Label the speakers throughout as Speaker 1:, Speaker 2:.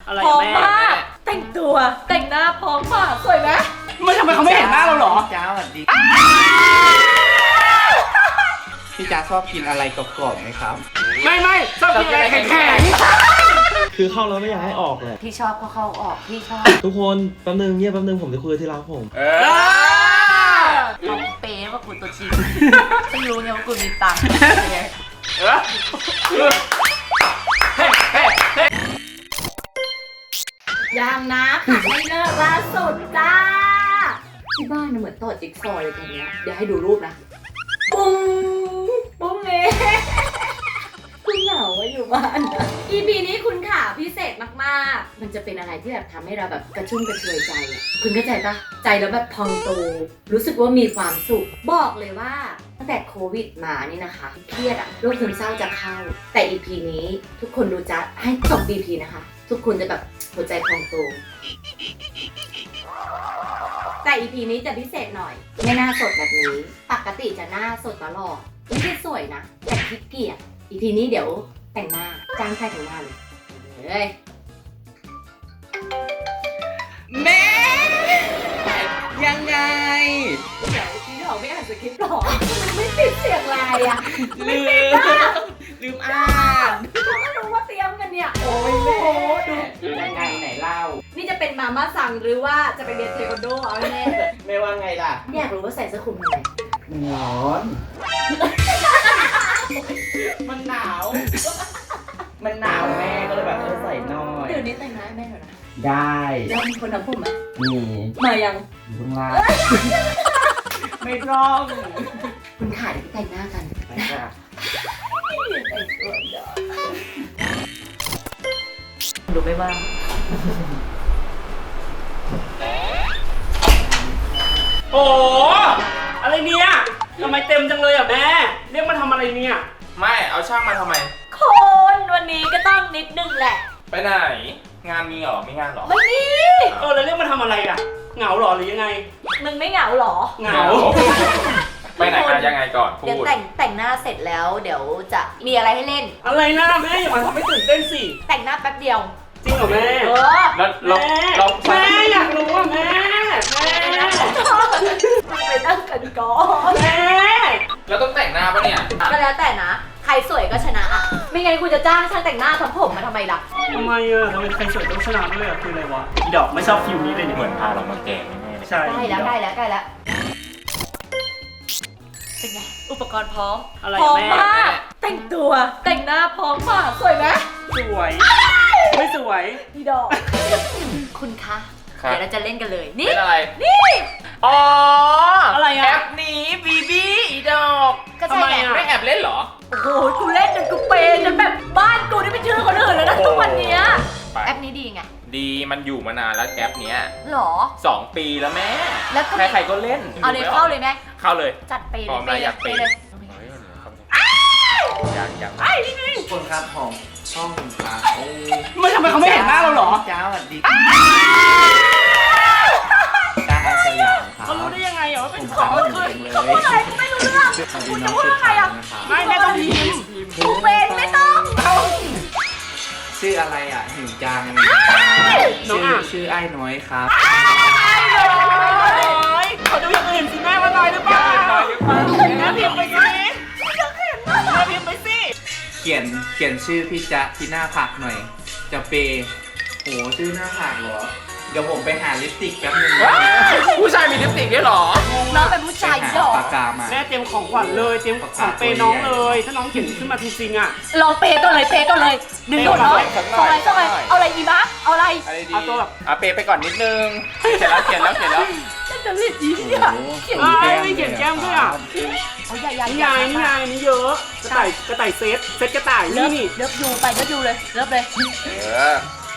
Speaker 1: อะไร
Speaker 2: พร้อม
Speaker 1: แม่
Speaker 2: มากแต่งตัวแต่งหน้าพร้อมมากสวยไหม
Speaker 1: ไม่ทำไมเขาไม่เห็นหน้าเราหรอ
Speaker 3: จ้าสวัสดีพี่จ้าชอบกินอะไรกรอบๆไหมครับ
Speaker 1: ไม่ชอบกินอะไรแข็ง
Speaker 4: คือเข้าแล้วไม่อยากให้ออกเลย
Speaker 2: พี่ชอบก็เข้าออกพี่ชอบ
Speaker 4: ทุกคนแป๊บนึงเงียบแป๊บนึงผมจะคุยกับที่รักผม
Speaker 2: ทำเป๊ะว่ากูตัวจริงไม่รู้ไงว่ากูมีตังค์ ยังนะค่ะไม่เลิกล่าสุดจ้าที่บ้านน่ะเหมือนต่อจิ๊กซอว์เลยตรงเนี้ยเดี๋ยวให้ดูรูปนะปุ้งปุ้งเองคุณเหงาว่าอยู่บ้าน EP นี้คุณค่ะพิเศษมากๆมันจะเป็นอะไรที่แบบทำให้เราแบบกระชุ่มกระชวยใจอ่ะคุณเข้าใจปะใจแล้วแบบพองโตรู้สึกว่ามีความสุขบอกเลยว่าตั้งแต่โควิดมานี่นะคะเครียดอะโรคซึมเศร้าจะเข้าแต่ EP นี้ทุกคนดูจะให้จบ EP นะคะทุกคนจะแบบหัวใจพองโตแต่ EP นี้จะพิเศษหน่อยไม่หน้าสดแบบนี้ปกติจะหน้าสดตลอดไม่ได้สวยนะแต่ขี้เกียจ EP นี้เดี๋ยวแต่งหน้าจ้างใครแต่งหน้าเลยเฮ้ย
Speaker 3: แม่ยังไง
Speaker 2: เดี๋ยวพี่หลอกไม่อ่านสคริปต์หรอมันไม่ติดเสียงลายอะ
Speaker 3: ลืมอ่าน
Speaker 2: เขาไม่รู้ว่าเตรียมกันเนี่ยโอ้ยดู
Speaker 3: ยังไงไหนเล่า
Speaker 2: นี่จะเป็นมาม่าสั่งหรือว่าจะไปเรียนเทควันโดเอาแน่
Speaker 3: ไม่ว่าไงล่ะ
Speaker 2: อยากรู้ว่าใส่เสื้อคลุมทำไม
Speaker 3: ร้อน มันหนาว มันหนาวแม่ก็เลยแบบใส่หน่อย
Speaker 2: เดี๋ยวนี้แต่งหน้าให้แม่หน่อยนะ
Speaker 3: ได้
Speaker 2: แล้วมีคนทำผมไหม
Speaker 3: มี
Speaker 2: มายัง
Speaker 3: อยู่ข้างล่างไม่ร้อง
Speaker 2: คุณขาเดี๋ยวไปแต่งหน้ากัน
Speaker 3: ไปค่ะ
Speaker 2: แต่งตัวเดี๋ยวดูไม่ว่าง
Speaker 1: ๆโอ้อะไรเนี่ยทำไมเต็มจังเลยอ่ะแม่เรียกมาทำอะไรเนี่ย
Speaker 5: ไม่เอาช่างมาทำไม
Speaker 2: คนวันนี้ก็ต้องนิดนึงแหละ
Speaker 5: ไปไหน งานมีเหรอ มีงานเหรอ
Speaker 2: ไม่มี
Speaker 1: แล้วเรียกมาทำอะไรอ่ะเหงาหรอหรือยังไง
Speaker 2: มึงไม่เหงาหรอ
Speaker 1: เหงา
Speaker 5: ไปไหนมายังไงก่อนพู
Speaker 2: เดี๋ยว
Speaker 5: ด
Speaker 2: แต่งหน้าเสร็จแล้วเดี๋ยวจะมีอะไรให้เล่น
Speaker 1: อะไรนะแม่อย่ามาทำให้ตื่นเต้นสิ
Speaker 2: แต่งหน้าแป๊บเดียว
Speaker 1: จริงเหรอแม่
Speaker 2: เออ
Speaker 5: แล้วเรา
Speaker 1: แม่
Speaker 5: เรา
Speaker 1: แม่อยากรู้อ่ะแม่แม่
Speaker 2: ไปตั้งกันก่อน
Speaker 1: แม่
Speaker 5: แล้วต้องแต่งหน้าปะเนี่ย
Speaker 2: ก็แล้วแต่นะ ใครสวยก็ชนะอ่ะ ไม่งั้นคุณจะจ้างช่างแต่งหน้าทำผมมาทำไมล่ะ
Speaker 1: ทำไมอ่ะทำไมใครสวยต้องชนะด้วยอ่ะคืออะไรวะอีดอกไม่ชอบฟิวนี้เลยเนี่ย
Speaker 5: เหมือนพาเรามาแกล้งแน่ๆเลย
Speaker 1: ใช่
Speaker 2: ใกล้แล้วใกล้แล้วใกล้แล้ว เป็นไง อุปกรณ์พร้อม
Speaker 1: อะไร
Speaker 2: พร้อม
Speaker 1: แม่
Speaker 2: มากแต่งตัวแต่งหน้าพร้อมมากสวยไหม
Speaker 1: สวยไม่สวย
Speaker 2: พี่ดอก คุณคะ
Speaker 5: ครับ
Speaker 2: เดี๋ยวเราจะเล่นกันเลย นี่
Speaker 5: เป็นอะไร
Speaker 2: นี่
Speaker 5: อ๋อ
Speaker 1: อะไร
Speaker 5: แอ
Speaker 1: อ่ะ
Speaker 5: ปนี้บีบี้อีดอก
Speaker 2: ก็ใช่ไง
Speaker 5: ไม่แอบเล่นเหรอ
Speaker 2: โอ้โหกูเล่นจนกูเปย์จนแบบบ้านกูนี่เป็นชื่อคนอื่นแล้วนะทุกวันเนี้ย
Speaker 5: ไป
Speaker 2: แอปนี้ดีไง
Speaker 5: ดีมันอยู่มานานแล้วแอปเนี้ย
Speaker 2: หรอ
Speaker 5: 2 ปีแล้วแม่
Speaker 2: แล้วก็มี
Speaker 5: ใครๆก็เล่น
Speaker 2: เอาเลยเข้าเลยไหม
Speaker 5: เข้าเลย
Speaker 2: จัดเปย์
Speaker 5: พร้อม
Speaker 2: เล
Speaker 5: นะ
Speaker 2: ย
Speaker 5: อยาก
Speaker 2: เป
Speaker 5: เปย์
Speaker 2: ย์เลย
Speaker 5: เฮ้ยอยาก
Speaker 3: ทุกคนครับของช่องครับ
Speaker 1: ไม่ทำไมเขาไม่เห็นหน้าเราหรอ
Speaker 3: จ้าสวัสดีจ้าอาสยามครับ
Speaker 1: เขารู้ได้ยังไงอ่ะว่าเป็น
Speaker 3: ผม
Speaker 1: เขา
Speaker 3: ฟัง
Speaker 1: เค
Speaker 3: อยู่
Speaker 1: ย
Speaker 3: จังเลย
Speaker 2: อะไรกูไม่รู้เรื่อง
Speaker 3: สวัสดีน้องชื่อไทยนะครับ
Speaker 1: ไม่แม่ต้องพิมพ์
Speaker 2: กูเป็นไม่ต้อง
Speaker 3: ชื่ออะไรอ่ะหิวจัง
Speaker 1: น้องอ่ะ
Speaker 3: ชื่อไอ้น้อยครับ
Speaker 1: น้อยขอดูอย่างอื่นสิแม่ว่าน้อยหรือเปล่าแม่พิมพ์ไปสิแม่พิมพ์ไปสิ
Speaker 3: เขียนชื่อพี่จ๊ะที่หน้าผักหน่อย จะเปย์โหชื่อหน้าผักเหรอ เดี๋ยวผมไปหาลิปสติกแป๊บนึงนะ
Speaker 5: ผู้ชายมีลิปสติกด้วยเหรอ
Speaker 2: น้องเป็นผู้ชาย
Speaker 3: ไป
Speaker 2: หย
Speaker 3: หา
Speaker 2: อก
Speaker 3: ปากกามา
Speaker 1: แม่เตรียมของขวัญเลยเตรียมของเปย์น้องเลย ถ้าน้องเขียนขึ้นมาจริงๆอ่ะ
Speaker 2: ลองเปย์ก่อนเลยเปย์ก่อนเลยดึงดูดเนาะ
Speaker 5: สักหน่
Speaker 2: ส่ง
Speaker 5: อย
Speaker 2: อะไรส่งอะไรเอาอะไรอีบ้าเอาอะไร
Speaker 5: อะไรดี
Speaker 1: เอาตัวแบบ
Speaker 5: เปย์ไปก่อนนิดนึงเขียนแล้ว
Speaker 2: ฉันจะรีบอีเนี่ยเขียน
Speaker 1: ไม่เขียนแก้มด้วยอ่ะ
Speaker 2: เอาใหญ่ๆ
Speaker 1: นี่ไงนี่ไงนี่เยอะกระต่ายเซตกระต่าย
Speaker 2: เลิ
Speaker 1: นี่
Speaker 2: ฟ
Speaker 1: นี่
Speaker 2: เลิฟยูไปเลิฟยูเลยเลิฟเลย
Speaker 5: เออ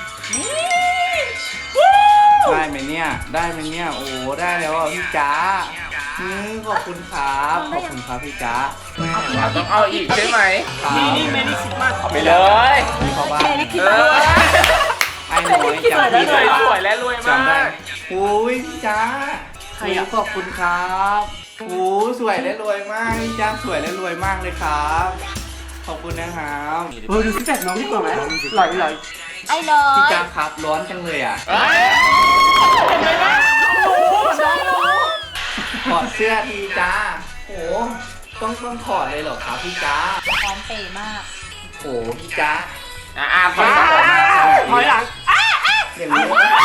Speaker 3: ได้ไหมเนี่ย ได้ไหมเนี่ย โอ้ได้แล้วอ่ะพี่จ๊ะขอบคุณครับ ขอบคุณครับพี่จ๊ะ
Speaker 5: เราต้องเอาอีกใช่ไหม
Speaker 1: นี่เมรี่คริสต์มาส
Speaker 5: เอาไปเลย
Speaker 3: นี่เขาบ้า
Speaker 2: เมลิคิด
Speaker 5: เอ
Speaker 2: มา
Speaker 5: อ
Speaker 3: ไอ้น้อยจำ
Speaker 5: ส
Speaker 3: พี่
Speaker 5: ว
Speaker 3: ได้
Speaker 5: ย
Speaker 3: ปะ
Speaker 5: สวยและรวยมา
Speaker 3: จำได้
Speaker 5: ก
Speaker 3: โอ้ยพี่จ๊ะขอบคุณครับโอ้สวยและรวยมากพี่จ๊ะสวยและรวยมากเลยครับ ขอบคุณนะครับ
Speaker 1: ดูซิกแพคน้องดีกว่าไหมหล่อย
Speaker 2: ไอ้น้อ
Speaker 3: พี่
Speaker 2: ย
Speaker 3: จ๊ะครับร้อนจังเลยอ่ะ
Speaker 1: เห็นไหมนะรู้
Speaker 2: น้องรู้
Speaker 3: ถอดเสื้อทีจ้าโอ้ต้องถอดเลยเหรอครับพี่จ๊ะ
Speaker 2: พร้อมเปย์มาก
Speaker 3: โอ้พี่จ๊ะ
Speaker 5: ถอยก่อน
Speaker 1: ถอยหลัง
Speaker 3: อย่างนี้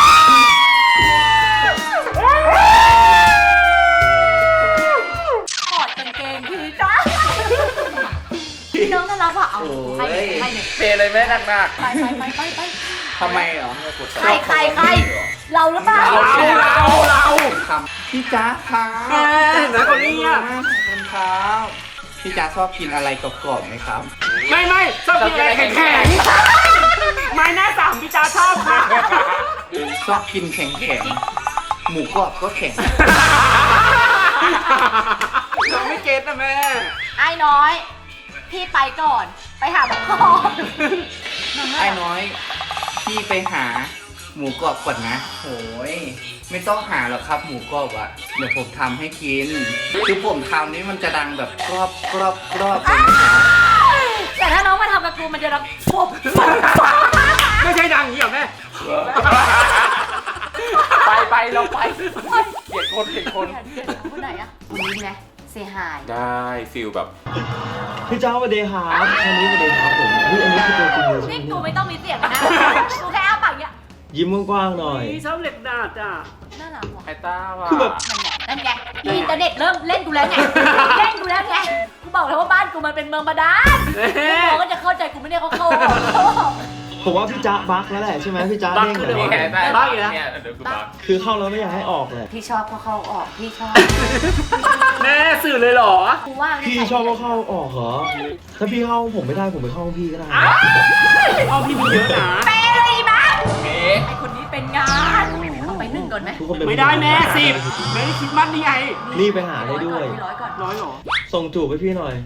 Speaker 2: ถอดกางเกงทีจ้าพี่น้องน่ารักว่ะเอาใครเนี่ย
Speaker 5: เปย์เลยแม่หนัก
Speaker 2: ไป
Speaker 3: ทำไมเหรอ
Speaker 2: ใครเราหรือเปล่า
Speaker 1: เรา
Speaker 3: ทำพี่จ๊ะครับ
Speaker 1: ไหนคนนี้อ่ะ
Speaker 3: ขอบคุณครับพี่จ๊ะชอบกินอะไรกรอบๆไหมครับ
Speaker 1: ไม่ชอบกินอะไรแข็งๆไม้หน้าสามพี่จ้าชอบค่ะ
Speaker 3: ชอบกินแข็งๆหมูกรอบก็แข็ง
Speaker 1: เราไม่เก็ตนะแม่
Speaker 2: ไอ้น้อย พี่ไปก่อน ไปหาหมอ
Speaker 3: ไอ้น้อยพี่ไปหาหมูกรอบก่อนนะโอ้ยไม่ต้องหาหรอกครับหมูกรอบอะเดี๋ยวผมทำให้กินคือผมทำนี้มันจะดังแบบกรอบเลยนะครับ
Speaker 2: แต่ถ้าน้องมาทำกับกูมันจะดังฟบ
Speaker 1: ไม่ใช่ดังอย่างนี้หรอแม่
Speaker 5: ไปเราไปเกลียดคน
Speaker 2: คนไหนอะคนนี้ไงเสียหาย
Speaker 5: ได้ฟิลแบบ
Speaker 4: พี่จ้าสวัสดีครับอันนี้สวัสดีครับผมอุ๊ยอันนี้คือตัวจริงเลยใช่
Speaker 2: นี่
Speaker 4: ไหม
Speaker 2: กูไม่ต้องมีเสียงนะกูแค่อ้าปากอย่างเงี้ย
Speaker 4: ยิ้มกว้างๆหน่อย
Speaker 1: นี่ชอบเหล็กดาดอ่ะ
Speaker 2: น่ารักว่ะ
Speaker 5: ไอ้ต้าว่ะ
Speaker 4: คือแบบ
Speaker 2: นั่นไงอินเทอร์เน็ตเริ่มเล่นกูแล้วไงกูบอกแล้วว่าบ้านกูมันเป็นเมืองบาดาลน้องก็จะเข้าใจกูไม่ได้เขาเข้า
Speaker 4: ผมว่าพี่จ้าบักแล้วแหละใช่ไหมพี่จ้า
Speaker 1: บั๊ก
Speaker 4: เด้ง
Speaker 1: คือ
Speaker 4: เล
Speaker 1: เดี๋
Speaker 4: ย
Speaker 1: ยว
Speaker 5: นี่ไง
Speaker 1: บ้าอีกแล้ว
Speaker 5: เนี่ยเดี๋ยวกูบัก
Speaker 4: คือเข้าแล้วไม่อยากให้ออกเลย
Speaker 2: พี่ชอบก็เข้าออกพี่ชอบ
Speaker 1: แม่สื่อเลยเหรอ
Speaker 2: กูว่า
Speaker 4: พี่ชอบก็เข้าออกเหรอถ้าพี่เข้าผมไม่ได้ผมไปเข้าห้องพี่ก็ได้
Speaker 1: เอาพี่มีเยอะนะ
Speaker 2: เปเลยมั้ง
Speaker 5: เอ๊ะ
Speaker 2: ไอคนนี้เป็นงานเอาไป1ก่อนไหม
Speaker 4: ทุกคนเป็น
Speaker 1: ไม่ได้แม่10ไม่ได้คิดมัดนี่ไง
Speaker 4: นี่ไปหาได้ด้วย
Speaker 2: ร้อยก่อน
Speaker 1: ร้อยเหรอ
Speaker 4: ส่งจูบให้พี่หน่อย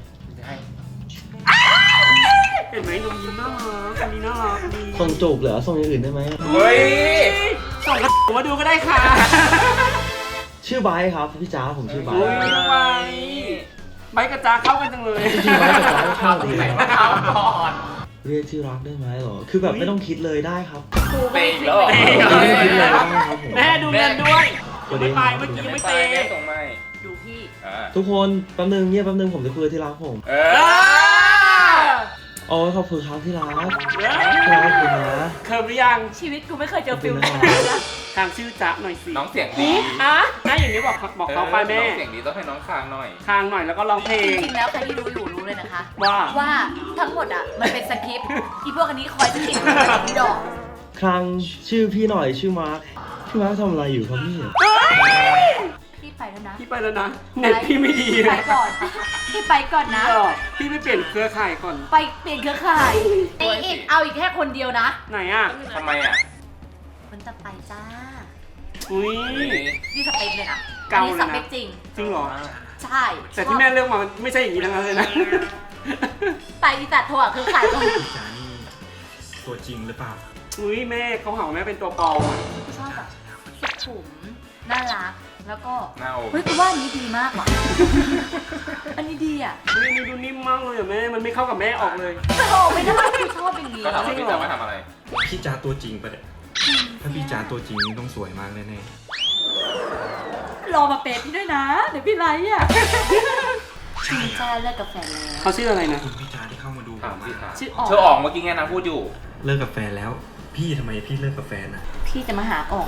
Speaker 1: เห็นไหมนมยิ้มน่ารักอันนี้น่ารักดี
Speaker 4: ส่งจูบเหรอส่งอย่างอื่นได้ไหม
Speaker 5: เฮ้ย
Speaker 1: ส่งกระผมมาดูก็ได้ค่ะ
Speaker 4: ชื่อไบร์ทครับพี่จ้าผมชื่อไบร์
Speaker 1: โอ้ย
Speaker 4: ท
Speaker 1: ทำไมใบกระจาเข้ากันจังเลย
Speaker 4: จริงๆไบร์ทกับไบร์ทเข้าดี
Speaker 5: ไหน
Speaker 4: นะ
Speaker 5: มาทำก่อน
Speaker 4: เรียกที่รักได้ไหมเหรอคือแบบไม่ต้องคิดเลยได้ครับ
Speaker 5: เปย์อีกแล้วเหรอ
Speaker 4: ไม่ต้องคิดเลยได้ครับผม
Speaker 1: แม่ดูเงินด้วยยังไม่ไปเมื่อกี้ยังไม่เตะ
Speaker 5: แม่ส่งไม่
Speaker 2: ดูพี่
Speaker 4: ทุกคนแป๊บนึงเงียบแป๊บนึงผมจะคุยกับที่รักผม
Speaker 5: เอ
Speaker 1: เอ
Speaker 5: อ
Speaker 4: อ๋อขอบคุณครับที่รัก
Speaker 1: อ
Speaker 4: ที่รักขอบคุณนะ
Speaker 1: เคิร์มหรือยัง
Speaker 2: ชีวิตกูไม่เคยเจอฟิล
Speaker 4: ขอบ
Speaker 2: แบ
Speaker 4: คุ
Speaker 2: บ
Speaker 4: ณ
Speaker 2: นี้
Speaker 4: นะ
Speaker 2: นะ
Speaker 1: ทางชื่อจ๊ะหน่อยสิ
Speaker 5: น้องเสียงดี
Speaker 1: อ่ะถ้าอย่างนี้บอกเขาไปแม่
Speaker 5: น้องเสียงดีต้องให้น้องคางหน่อย
Speaker 1: คางหน่อยแล้วก็ร้องเพล
Speaker 2: จ
Speaker 1: ง
Speaker 2: ริงๆแล้วใครที่ดูอยู่รู้เลยนะคะ
Speaker 1: ว่า
Speaker 2: ว่าทั้งหมดอ่ะมันเป็นสคริปต์อีพวกอันนี้คอยสคริปต์กับพี่ดอก
Speaker 4: ครั้งชื่อพี่หน่อยชื่อมาร์คพี่มาร์คทำอะไรอยู่ครับพี่
Speaker 2: พี่ไปแล้วนะ
Speaker 1: พี่ไปแล้วนะ เน็ตพี่ไม่ดี
Speaker 2: พี่ไปก่อนพี่ไปก่อนนะ
Speaker 1: เออพี่ไม่เปลี่ยนเครือข่ายก่อน
Speaker 2: ไปเปลี่ยนเครือข่ายอีกเอาอีกแค่คนเดียวนะ
Speaker 1: ไหนอ่ะ
Speaker 5: ทำไมอ่ะ
Speaker 2: มันจะไปจ้า
Speaker 1: อุ้ย
Speaker 2: นี่สเปคเลยนะ
Speaker 1: เกา
Speaker 2: อัน
Speaker 1: เลยนะ
Speaker 2: นี้สเปคจริง
Speaker 1: จริงเหรอ
Speaker 2: ใช่
Speaker 1: แต่ที่แม่เลือกมามันไม่ใช่อย่างนี้ทั้งนั้นเลยนะ
Speaker 2: ไปอีตัดถั่วคือขายก่อน
Speaker 6: จานี่ตัวจริงหรือเปล่า
Speaker 1: อุ้ยแม่เขาหาว่าแม่เป็นตัวปลอมอะ
Speaker 2: ชอบแบบสุขุมน่ารักแล้วก็
Speaker 5: หน้าอก
Speaker 2: เฮ้ยกูว่าอันนี้ดีมากว่ะ อันนี้ดีอ่ะ
Speaker 1: อุ้ยนี่ดูนิ่มมากเลยอะแม่ มันไม่เข้ากับแม่ออกเลย
Speaker 2: โอ้โหไม่ได้กูชอบอย่างนี้
Speaker 5: ก็ถามว่าพี่จะมาทำอะไร
Speaker 6: พี่จ้าตัวจริงปะเนี่ย ถ้าพี่จ้าตัวจริงนี่ต้องสวยมากแน่
Speaker 2: รอมาเปย์พี่ด้วยนะ เดี๋ยวพี่ไลค์อ่ะ
Speaker 6: ๆ ใช่
Speaker 2: จริง
Speaker 6: ค
Speaker 2: จ้า
Speaker 6: รับ
Speaker 2: เลิกกับแฟนแล้ว
Speaker 1: เขาชื่ออะไรนะ
Speaker 6: คุณพี่จ้าที่เข้ามาดูผ
Speaker 5: ถาม
Speaker 6: ม
Speaker 5: พี่
Speaker 6: อะ
Speaker 5: ถาม
Speaker 2: ชื่ออ๋อง
Speaker 5: ชื่ออ๋องเมื่อกี้ไงนางพูดอยู่
Speaker 6: เลิกกับแฟนแล้ว พี่ทำไมพี่เลิกกับแฟนอะ
Speaker 2: พี่จะมาหาอ๋อง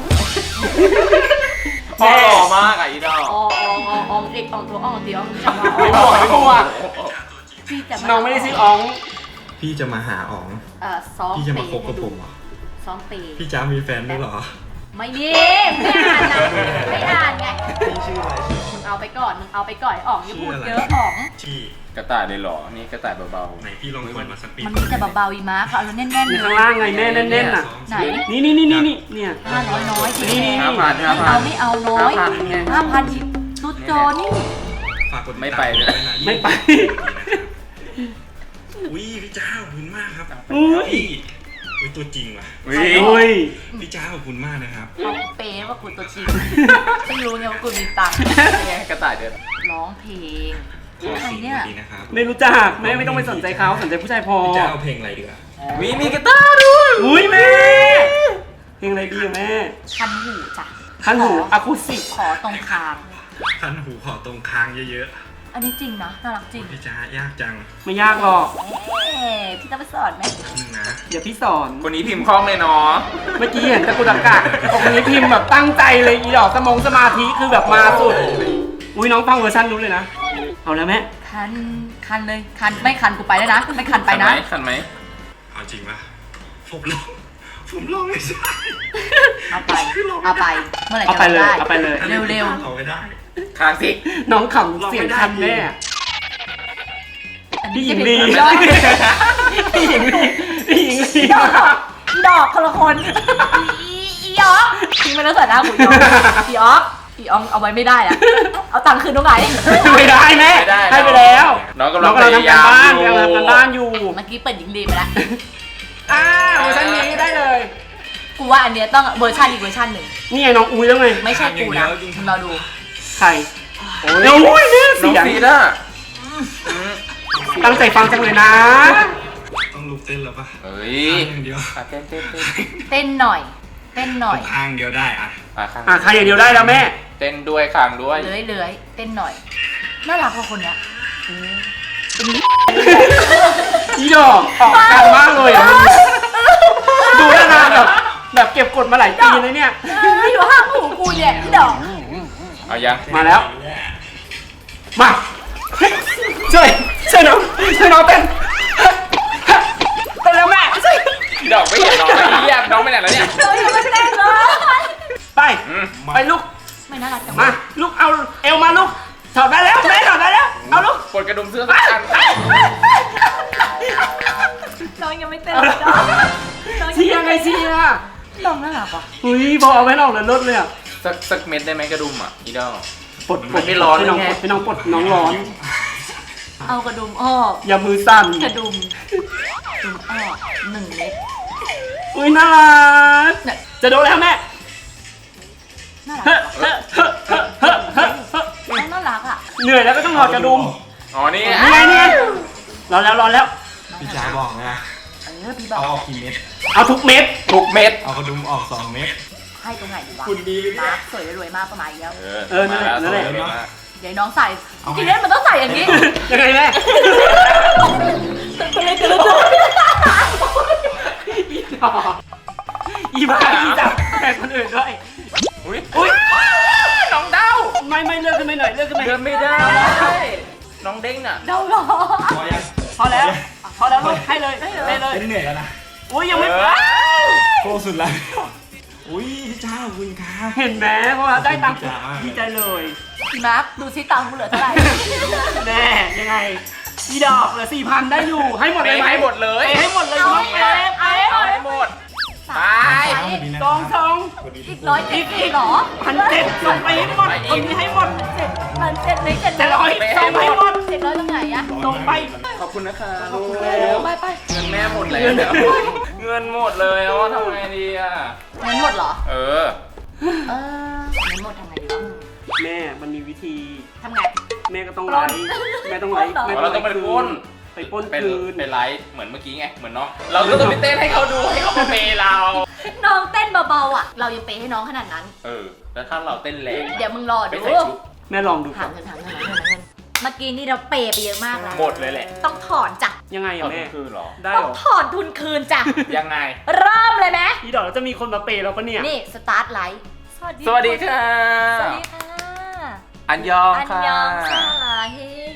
Speaker 5: พ่อหล่อมากอ่ะอีดอก
Speaker 2: อ๋องเด็กอ๋องตัวอ๋องเดียวจะมา
Speaker 1: ไม่บ
Speaker 2: อ๋
Speaker 1: อ
Speaker 2: อก ง
Speaker 1: ไม่บวก
Speaker 2: พี่จะมา
Speaker 1: น้องไม่ได้ชื่ออ๋อง
Speaker 6: พี่จะมาหาอ๋อง
Speaker 2: ซ้อม
Speaker 6: พี่จะ
Speaker 2: เป
Speaker 6: มา
Speaker 2: ย์
Speaker 6: คบกับผมเหรอ
Speaker 2: ซ้อมเปย์
Speaker 6: พี่จ้ามีแฟนด้วยเหรอ
Speaker 2: ไม่มีไม่อ่านนะไม่อ่านไง
Speaker 4: พี่ชื่ออะไร
Speaker 2: มึงเอาไปก่อนมึงเอาไปก่อนอ๋องอย่าพูดเยอะอ๋อง
Speaker 6: ที่
Speaker 5: กระต่ายเลยเหรอ นี่กระต่ายเบา
Speaker 6: ไหนพี่ลองเปิดมาสักปี
Speaker 2: มันมีแต่เบาๆอีม้าเขาเอาแล้วแน่นๆ
Speaker 1: มี
Speaker 2: เล
Speaker 1: ข้าง
Speaker 2: ย
Speaker 1: ล่างไงแม่แน่นๆน่ะ
Speaker 2: ไหน
Speaker 1: นี่เนี่ย
Speaker 2: 500น้อยจริง
Speaker 1: นี่
Speaker 5: ๆ5,000
Speaker 2: ไม่เอาไม่เอาน้อย
Speaker 5: 5,000ไง
Speaker 2: 5,000ยิบตุดโจนี่
Speaker 6: ฝากกดติด
Speaker 5: ไม่
Speaker 6: ตาม
Speaker 5: ไปเลย
Speaker 6: ด้วยนะ
Speaker 1: ไม่ไป
Speaker 6: อุ้ยพี่จ้าขอบคุณมากครับ
Speaker 1: อุ้ย
Speaker 6: อุ้ยตัวจริงว่ะ
Speaker 5: วิ
Speaker 1: อุ้ย
Speaker 6: พี่จ้าขอบคุณมากนะครับ
Speaker 2: เอาเปย์ว่ากูตัวจริงไม่รู้ไงว่ากูมีตังค์
Speaker 5: ไงกระต่ายเดิน
Speaker 2: ร้องเพลง
Speaker 6: ขอ
Speaker 2: ใคร
Speaker 6: สิ่ง
Speaker 2: เนี่ย
Speaker 6: ดีนะครับ
Speaker 1: ไม่รู้จักแม่ไม่ต้องไปสนใจเขาสนใจผู้ชายพอ
Speaker 6: พี่จ้าเอาเพลงอะไรดีกว่า
Speaker 2: เ
Speaker 5: มีกีตาร์ด้วย
Speaker 1: อุ้ยแม่เพลงอะไรดีอะแม่
Speaker 2: คันหูจ้ะ
Speaker 1: คันหูอะคูสติก
Speaker 2: ขอตรงคาง
Speaker 6: คันหูขอตรงค้างเยอะ
Speaker 2: อันนี้จริงนะน่ารักจริง
Speaker 6: ๆ พี่จ้ายากจัง
Speaker 1: ไม่ยากหรอก
Speaker 2: พี่ต้องไปสอนไหม
Speaker 6: นึงนะ
Speaker 1: เดี๋ยวพี่สอน
Speaker 5: คนนี้พิมพ์คล่องเลยเนาะ
Speaker 1: เมื่อกี้เห็นตะกุดอากาศตรงนี้พิมพ์แบบตั้งใจเลยอีดอกสมาธิคือแบบมาสุด อุ้ยน้องฟังเวอร์ชันนู้นเลยนะ เอาแล้วแม่
Speaker 2: คันเลยคันไม่คันกูไปแล้วนะไม่คันไปนะ
Speaker 5: คันไหม
Speaker 6: เอาจริงปะผมลองไม่ใช่
Speaker 2: เอาไปเมื่อไหร่
Speaker 1: เอา
Speaker 2: จะ
Speaker 1: ไปเลย
Speaker 2: ได้
Speaker 1: เอาไปเลย
Speaker 2: เร็ว
Speaker 6: เอาไม่ได้
Speaker 5: คางสิ
Speaker 1: น้องขำเสียงคันแม่
Speaker 2: ๆอัน
Speaker 1: พี่
Speaker 2: นี้
Speaker 1: หญิง
Speaker 2: จะ
Speaker 1: ลี
Speaker 2: เป็น
Speaker 1: พี่หญิงลีพี่หญิงลี
Speaker 2: ดอกคนละคนอีออกทิ้งไปแล้วเสร็จนะหูอีออกเอาไว้ไม่ได้อะเอาตังค์คืนตรงไหน
Speaker 1: ไม่ได้แม่ให้ไปแล้ว
Speaker 5: น้องกำลังพ
Speaker 1: ทำ
Speaker 5: ยายาม
Speaker 1: บ้าน
Speaker 5: อยู่
Speaker 1: กำลังทำบ้านอยู่
Speaker 2: เมื่อกี้เปิดหญิงลีไปแล้ว
Speaker 1: เวอร์ชันนี้ได้เลย
Speaker 2: กูว่าอันเนี้ยต้องเวอร์ชันอีกเวอร์ชันหนึ่ง
Speaker 1: นี่ไงน้องอุ้ยแล้วไง
Speaker 2: ไม่ใช่กูนะมึงเราดู
Speaker 1: ใครโอ้ยเนี่ย
Speaker 5: น้อง
Speaker 1: เสียง
Speaker 5: ซีดอ่ะ
Speaker 1: ตั้งใจฟังจังเลยนะ
Speaker 6: ต้องลุกเต้นแล้วปะ
Speaker 5: เฮ้ย
Speaker 6: ข้างอย่างเดียว
Speaker 5: เต้น
Speaker 2: เต้นหน่อย
Speaker 6: ข้างเดียวได้อะ
Speaker 5: ข้าง
Speaker 1: ใครอย่างเดียวได้แล้วแม่
Speaker 5: เต้นด้วยคางด้วย
Speaker 2: เลื้อยเต้นหน่อยน่ารักกว่าคนเนี้ย
Speaker 1: อีดอกออกกันมากเลยอ่ะดูแล้วนะแบบเก็บกดมาหลายปีเลยเนี่ย
Speaker 2: อยู่ห้างหูกูเนี่ยพี่ดอก
Speaker 5: เอายัง
Speaker 1: มาแล้ว มาช่วยน้องเต้นแล้วแม่
Speaker 5: ดอกไม่เห็นน้องนะเยี่ยมน้องไปไหนแล้วเนี่ย
Speaker 2: เรายังไม่เต้นเลย
Speaker 1: ไป
Speaker 5: อืม
Speaker 1: ไปลูก
Speaker 2: ไม่น่ารักจัง
Speaker 1: มาลูกเอาเอวมาลูกถอดได้แล้วแม่ถอดได้แล้วเอาลูก
Speaker 5: ปลดกระดุมเสื้อสักอัน
Speaker 2: น้องยังไม่เต้นเลยน้อง
Speaker 1: เชียร์ไงเชียร์
Speaker 2: น้องน่ารักว่ะ
Speaker 1: อุ้ยพอเอาไว้นอกเลยลดเลยอ่ะ
Speaker 5: สักเม็ดได้ไหมกระดุมอ่ะอีดอล
Speaker 1: ปลด
Speaker 5: มันไม่ร้อน
Speaker 1: ให้น้อง
Speaker 5: ไง
Speaker 1: ปลดให้น้องปลดน้องร้อน
Speaker 2: เอากระดุมออก
Speaker 1: อย่ามือสั่น
Speaker 2: กระดุมออก1 เม็ด
Speaker 1: อุ้ยน่ารัก
Speaker 2: เนี่ย
Speaker 1: จะโดนแล้วแม่
Speaker 2: น่า
Speaker 1: เฮ้
Speaker 2: รัก
Speaker 1: เฮ้
Speaker 2: น้องน่ารักอ่ะ
Speaker 1: เหนื่อยแล้วก็ต้องถอดกระดุม
Speaker 5: อ๋อนี่
Speaker 1: นี่ไงนี่ไงร้อนแล้ว
Speaker 6: พี่จ้าบอกนะ
Speaker 2: พี่บอ
Speaker 6: เอา
Speaker 2: ก
Speaker 6: ออกกี่เม็ด
Speaker 1: เอาทุกเม็ด
Speaker 5: ทุกเม็ด
Speaker 6: เอากระดุมออก2 เม็ด
Speaker 2: ให้ตรงไหนดีวะ
Speaker 1: คุณดี
Speaker 2: มาสวยรวยมากประมาณนี้แล้ว
Speaker 1: นั่นแหละนั่นแหละ
Speaker 2: เดี๋ยวน้องใส่ทีนี้มันต้องใส่อย่างนี้
Speaker 1: ยังไงแม่อีบ้าอีจับแขกคนอื่นด้วย
Speaker 5: อุ้ย
Speaker 1: อุ้ย
Speaker 5: น้องเด้า
Speaker 1: ไม่เลือกขึ้นไปหน่อยเลือกขึ้นไป
Speaker 5: เดินไม่ได้ น้องเด้งน่ะ
Speaker 2: เดาหรอ
Speaker 6: พอยัง
Speaker 1: พอแล้วลูกให้เลยให้เลย
Speaker 6: เป็นเหนื่อยแล้วนะ
Speaker 1: อุ้ยยังไม่
Speaker 6: โคสุดแล้วอุ้ยพี่จ้าขอบคุณครับ
Speaker 1: เห็นไหมเพราะว่าได้ตังค์ดีใจเลย
Speaker 2: พี่มาร์คดูซิตังค์กูเหลือเท่าไหร่
Speaker 1: แน่ยังไงอีดอกเหลือ 4,000 ได้อยู่ให้หมดเลยไหม
Speaker 5: ให้หมดเลย
Speaker 1: ให้หมดเลย
Speaker 2: เอา
Speaker 1: น้อง
Speaker 2: ให้
Speaker 1: เอฟ
Speaker 2: เอาให้
Speaker 5: เอาให้หมด ไป
Speaker 1: สอง
Speaker 2: อีก170เหรอ
Speaker 1: 1,700ส่งไปให้หมดคนนี้ให้หมด
Speaker 2: มัน700ไม่700
Speaker 1: 700ส่งไปให้หมด
Speaker 2: 700ตรงไหนอะ
Speaker 1: ส่งไป
Speaker 5: ขอบคุณนะคะ
Speaker 2: ไป
Speaker 5: เงินแม่หมดแล้วเงินหมดเลยว่าทำไงดีอ่ะ
Speaker 2: เงินหมดเหรอ
Speaker 5: เออ
Speaker 2: เงินหมดทำไงดีวะ
Speaker 1: แม่มันมีวิธี
Speaker 2: ทำไง
Speaker 1: แม่ก็ต้อง
Speaker 2: ป
Speaker 1: ไล
Speaker 2: ล้น
Speaker 1: ฟ์แม่ต้องไลฟ์
Speaker 2: ปล้นเหรอ
Speaker 1: แม่
Speaker 5: เราต้องไปปล้น
Speaker 1: ไปปล้น
Speaker 5: เป็น
Speaker 1: คืน
Speaker 5: เป็นไลฟ์เหมือนเมื่อกี้ไง เหมือนน้อง เราก็ต้องไปเต้นให้เขาดูให้เขามาเปย์เรา
Speaker 2: น้องเต้นเบาๆอ่ะ เรายังเปย์ให้น้องขนาดนั้น
Speaker 5: เออ แล้วถ้าเราเต้นแรง
Speaker 2: เดี๋ยวมึงรอ
Speaker 5: ไป
Speaker 2: ดู
Speaker 5: ใส่ชุด
Speaker 1: แม่ลองดู
Speaker 2: ถามเงินเมื่อกี้นี่เราเปย์ไปเยอะมากแล้ว
Speaker 5: หมดเลยแหละ
Speaker 2: ต้องถอนจ้ะ
Speaker 1: ยังไง
Speaker 5: ตอ
Speaker 1: อะ
Speaker 5: น
Speaker 1: แม่
Speaker 5: คืนเหรอ
Speaker 1: ได้
Speaker 2: ต้อ
Speaker 1: เห
Speaker 2: ง
Speaker 1: รอ
Speaker 2: ถอนทุนคืนจ้ะ
Speaker 5: ยังไง
Speaker 2: เริ่มเลยไหม
Speaker 1: อีดอกแล้วจะมีคนมาเปย์เราปะเนี่ย
Speaker 2: นี่สตาร์ทไลฟ์
Speaker 5: สวัสดีค่ะ
Speaker 2: สวัสดีค่ะ
Speaker 5: อันยอง
Speaker 2: อัน
Speaker 5: ค่ะ
Speaker 2: ยองซาเฮโย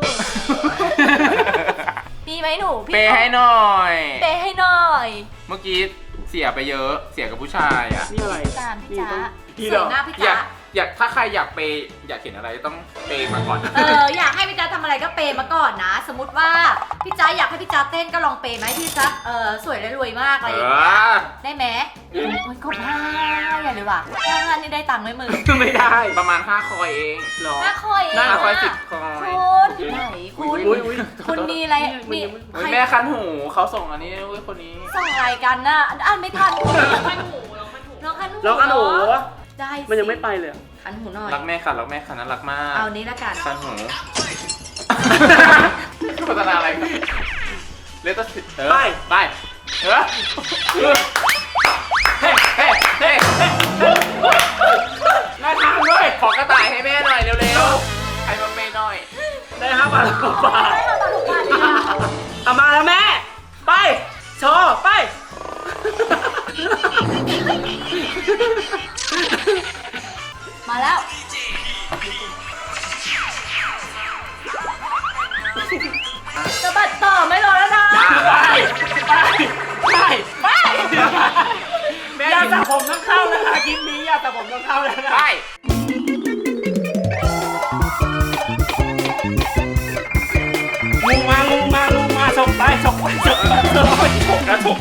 Speaker 2: มีไหมหนูพี่
Speaker 5: เปย์ให้หน่อย
Speaker 2: เปย์ให้หน่อย
Speaker 5: เมื่อกี้เสียไปเยอะ เสียกับผู้ชายอ่ะ
Speaker 1: นี่อะไร
Speaker 2: ตามพี่จ๊ะ
Speaker 1: นี่
Speaker 2: เสี
Speaker 1: เหร
Speaker 2: ย
Speaker 1: อ
Speaker 2: หน้าพี่
Speaker 5: อยา
Speaker 2: จ๊ะ
Speaker 5: กถ้าใครอยากเปย์อยากเห็นอะไรต้องเปย์มาก่อน
Speaker 2: อยากให้พี่จ๊ะทำอะไรก็เปย์มาก่อนนะ สมมติว่าพี่จ๊ะอยากให้พี่จ๊ะเต้นก็ลองเปย์ไหมพี่จ๊ะสวยและรวยมากอะไรอย่างเงี้ยได้ไหมโอ้ยกดห้าอย่าเลยว่ะ5 นี่ได้ตังค์ไหมมึง
Speaker 1: ไม่ได้
Speaker 5: ประมาณ5 คอยเอง
Speaker 1: หรอ
Speaker 2: 5 คอยเอง
Speaker 5: 5 คอย
Speaker 2: อะ
Speaker 5: 10 คอย
Speaker 2: คุณไหนคุณ
Speaker 1: อุ๊ย
Speaker 2: คุณมีอะไรมี
Speaker 5: เฮ้ย
Speaker 2: ใคร
Speaker 5: แม่คันหูเขาส่งอันนี้ด้วยคนนี้
Speaker 2: ส่งอะไรกันน่ะอ่านไม่ทันน้องคันหูน้องคันหู
Speaker 1: แล้วอันหนู
Speaker 2: ได้สิ
Speaker 1: มันยังไม่ไปเลยอะ
Speaker 2: คันหูหน่อย
Speaker 5: รักแม่ค่ะรักแม่ค่ะน่ารักมาก
Speaker 2: เอานี้ละกัน
Speaker 5: คันหูโฆษณาอะไรครับเลตเตอร์ไปเฮ้ยเฮ้ยเฮ้ยเฮ้ย
Speaker 1: ได้ทางด้วย
Speaker 5: ขอกระต่ายให้แม่หน่อยเร็วๆให้มาเมย์หน่อย
Speaker 1: ได้5 บาท6 บาท
Speaker 2: ได้มาตอนทุกวันเลยนะ
Speaker 1: เอามาแล้วแม่ ไป โชว์ไป
Speaker 2: มาแล้วสะบัดต่อไม่รอแล้วนะ
Speaker 1: ไป อย่าสระผมต้องเข้านะคะคลิปนี้อย่าสระผมต้องเข้าแล้วนะ
Speaker 5: ไป
Speaker 1: งูมาฉกไปฉกนะฉก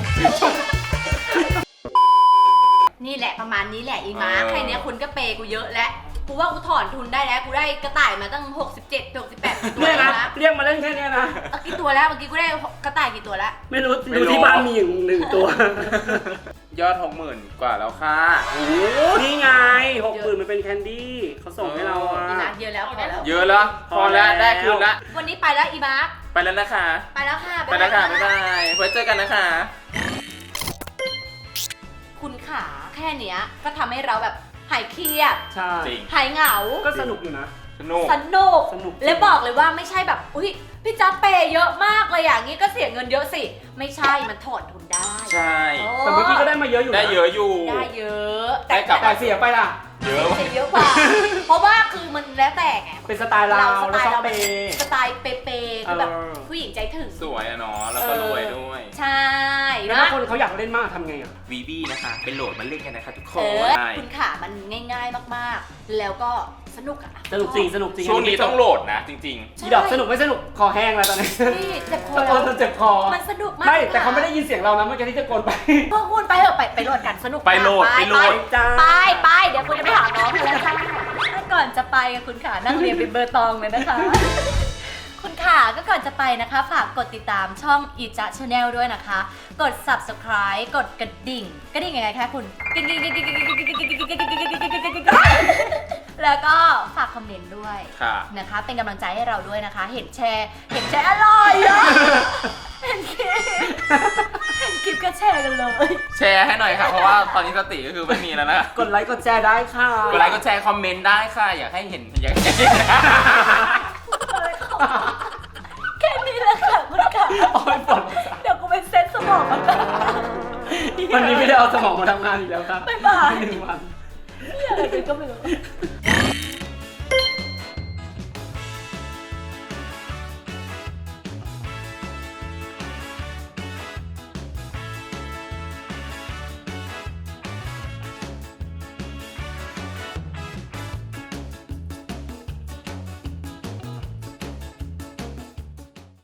Speaker 2: นี่แหละประมาณนี้แหละอีมาแค่เนี้ยคุณก็เปย์กูเยอะแล้วกูว่ากูถอนทุนได้แล้วกูได้กระต่ายมาตั้ง67 68ตัว
Speaker 1: เนี่ย
Speaker 2: แล้
Speaker 1: นะ
Speaker 2: วนะ
Speaker 1: เรียกมาเล่นแค่เนี้ยนะ
Speaker 2: เอากี่ตัวแล้วเมื่อกี้กูได้กระต่ายกี่ตัวแล้ว
Speaker 1: ไม่รู้ดูที่บ้านมีอยู่1 ตัว
Speaker 5: ยอด 60,000 กว่าแล้วค่ะ
Speaker 1: นี่ไง60,000มันเป็นแคนดี้เขาส่งให้เราอ่ะ
Speaker 2: อีมาเยอะแล้วพอแล้ว
Speaker 5: เยอะแล้ว พอแล้ว ได้คืนละ
Speaker 2: วันนี้ไปแล้วอีมาร์ค
Speaker 5: ไปแล้วนะคะ
Speaker 2: ไปแล้วค่ะ
Speaker 5: ไปแล้วค่ะ บ๊ายบาย ไว้เจอกันนะคะ
Speaker 2: คุณขาแค่เนี้ยก็ทำให้เราแบบหายเครียด
Speaker 1: ใช่
Speaker 5: จริง
Speaker 2: หายเหงา
Speaker 1: ก็สนุกอยู่นะ
Speaker 5: สนุก
Speaker 2: สนุก
Speaker 1: สนุก
Speaker 2: และบอกเลยว่าไม่ใช่แบบอุ้ยพี่จ๊าเปย์เยอะมากเลยอย่างนี้ก็เสียเงินเยอะสิ ไม่ใช่มันถอนทุนได้
Speaker 5: ใช่
Speaker 2: โอ้
Speaker 1: แต่เมื่อกี้ก็ได้มาเยอะอยู่นะ
Speaker 5: ได้เยอะอยู่
Speaker 2: ได้เยอะ
Speaker 5: ได้กลับ
Speaker 1: แต่เสียไปล่ะ
Speaker 5: เยอะ
Speaker 2: เสียเยอะกว่า เพราะว่าคือมันแล้วแต่ไง
Speaker 1: เป็นสไตล์เรา
Speaker 2: สไต
Speaker 1: เรา
Speaker 2: ล์
Speaker 1: ชอบ
Speaker 2: เรา
Speaker 1: เป
Speaker 2: เป็น
Speaker 1: ย์
Speaker 2: สไตล์เปย์ๆคือแบบ
Speaker 1: เออ
Speaker 2: ผู้หญิงใจถึง
Speaker 5: สวยอะเนาะ แล้วก็รวยด้วย
Speaker 2: ใช่
Speaker 1: แล้ว
Speaker 2: นะ
Speaker 1: ถ้าคนเขาอยากเล่นมากทำไงอ่ะ
Speaker 5: วีบี้นะคะ เป็นโหลดมาเล่นกันนะคะทุกค
Speaker 2: เอน อ
Speaker 5: ใช่
Speaker 2: คุณขามันง่ายๆมากๆ แล้วก็สนุกอะ
Speaker 1: สนุกจริงสนุกจริง
Speaker 5: ช่วงนี้ต้องโหลดนะ จริง
Speaker 1: อีดอกสนุกไม่สนุกคอแห้งแล้วตอนนี้
Speaker 2: นี่เจ็บคอ
Speaker 1: ตะโกนจนเจ็บคอ
Speaker 2: มันสนุกมาก
Speaker 1: ไม่แต่เขาไม่ได้ยินเสียงเรานะเมื่อกี้ที่ตะโกนไป
Speaker 2: พวกคุณไปเถอะไปโหลดกันสนุก
Speaker 5: ไปโหลด
Speaker 2: มาก
Speaker 5: ไปโหลด
Speaker 1: จ้า
Speaker 2: ไปเดี๋ยวคุณจะไปหาน้องกันแล้วจ้าก่อนจะไปคุณขานั่งเรียนเป็นเบอร์ตองเลยนะคะ คุณขาก็ก่อนจะไปนะคะฝากกดติดตามช่องอีจ๊ะชาแนลด้วยนะคะ กด subscribe กดกระดิ่งยังไงคะคุณกระดิ่งแล้วก็ฝากคอมเมนต์ด้วย
Speaker 5: ๆ ค่ะ
Speaker 2: นะคะเป็นกำลังใจให้เราด้วยนะคะ เห็นแชร์อร่อยอะเห็นคลิปก็แชร์กันเลย
Speaker 5: แชร์ให้หน่อยค่ะ เพราะว่าตอนนี้สติก็คือไม่มีแล้วนะ
Speaker 1: กดไลค์กดแชร์ได้ค่ะ
Speaker 5: กดไลค์กดแชร์คอมเมนต์ได้ค่ะ อยากให้เห็นอยากให้เห็น
Speaker 2: แค่นี้แหละค่ะคุณขา
Speaker 1: โอ้ยปวด
Speaker 2: เดี๋ยวกูไปเซ็ตสมองมันก่อน
Speaker 1: วันนี้ไม่ได้เอาสมองมาทำงานอีกแล้วครับ
Speaker 2: บ๊ายบาย
Speaker 1: 1 วัน
Speaker 2: อะไรกันก็ไม่รู้